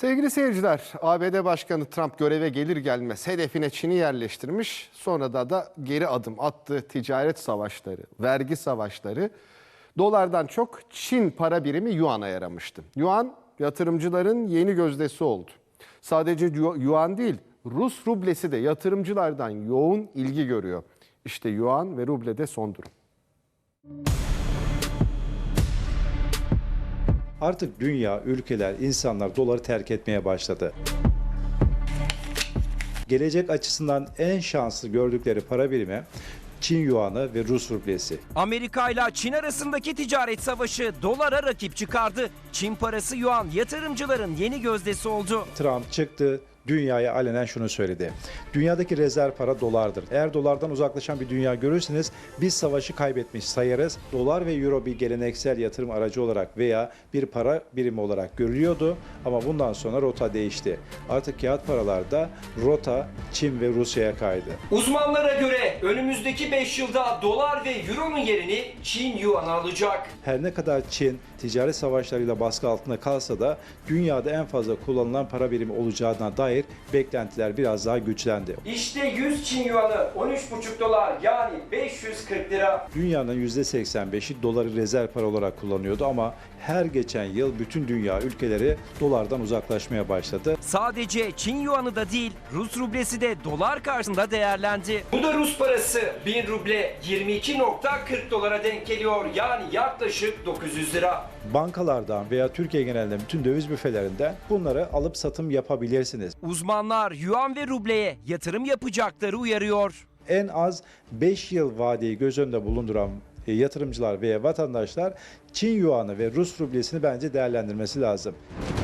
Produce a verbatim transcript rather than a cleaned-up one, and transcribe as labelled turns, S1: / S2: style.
S1: Sevgili seyirciler, A B D Başkanı Trump göreve gelir gelmez hedefine Çin'i yerleştirmiş. Sonra da da geri adım attığı ticaret savaşları, vergi savaşları dolardan çok Çin para birimi Yuan'a yaramıştı. Yuan yatırımcıların yeni gözdesi oldu. Sadece Yuan değil, Rus rublesi de yatırımcılardan yoğun ilgi görüyor. İşte Yuan ve rublede son durum.
S2: Artık dünya, ülkeler, insanlar doları terk etmeye başladı. Gelecek açısından en şanslı gördükleri para birimi Çin Yuan'ı ve Rus rublesi.
S3: Amerika ile Çin arasındaki ticaret savaşı dolara rakip çıkardı. Çin parası Yuan yatırımcıların yeni gözdesi oldu.
S2: Trump çıktı, dünyaya alenen şunu söyledi. Dünyadaki rezerv para dolardır. Eğer dolardan uzaklaşan bir dünya görürseniz biz savaşı kaybetmiş sayarız. Dolar ve euro bir geleneksel yatırım aracı olarak veya bir para birimi olarak görülüyordu. Ama bundan sonra rota değişti. Artık kağıt paralarda rota Çin ve Rusya'ya kaydı.
S3: Uzmanlara göre önümüzdeki beş yılda dolar ve euronun yerini Çin Yuan alacak.
S2: Her ne kadar Çin ticaret savaşlarıyla baskı altında kalsa da dünyada en fazla kullanılan para birimi olacağına dair beklentiler biraz daha güçlendi.
S3: İşte yüz Çin Yuan'ı on üç buçuk dolar yani beş yüz kırk lira.
S2: Dünyanın yüzde seksen beşi doları rezerv para olarak kullanıyordu ama her geçen yıl bütün dünya ülkeleri dolardan uzaklaşmaya başladı.
S3: Sadece Çin Yuan'ı da değil, Rus rublesi de dolar karşısında değerlendi. Bu da Rus parası. bin ruble yirmi iki nokta kırk dolara denk geliyor. Yani yaklaşık dokuz yüz lira.
S2: Bankalardan veya Türkiye genelinde bütün döviz büfelerinden bunları alıp satım yapabilirsiniz.
S3: Uzmanlar Yuan ve rubleye yatırım yapacakları uyarıyor.
S2: En az beş yıl vadeyi göz önünde bulunduran yatırımcılar veya vatandaşlar Çin Yuan'ı ve Rus rublesini bence değerlendirmesi lazım.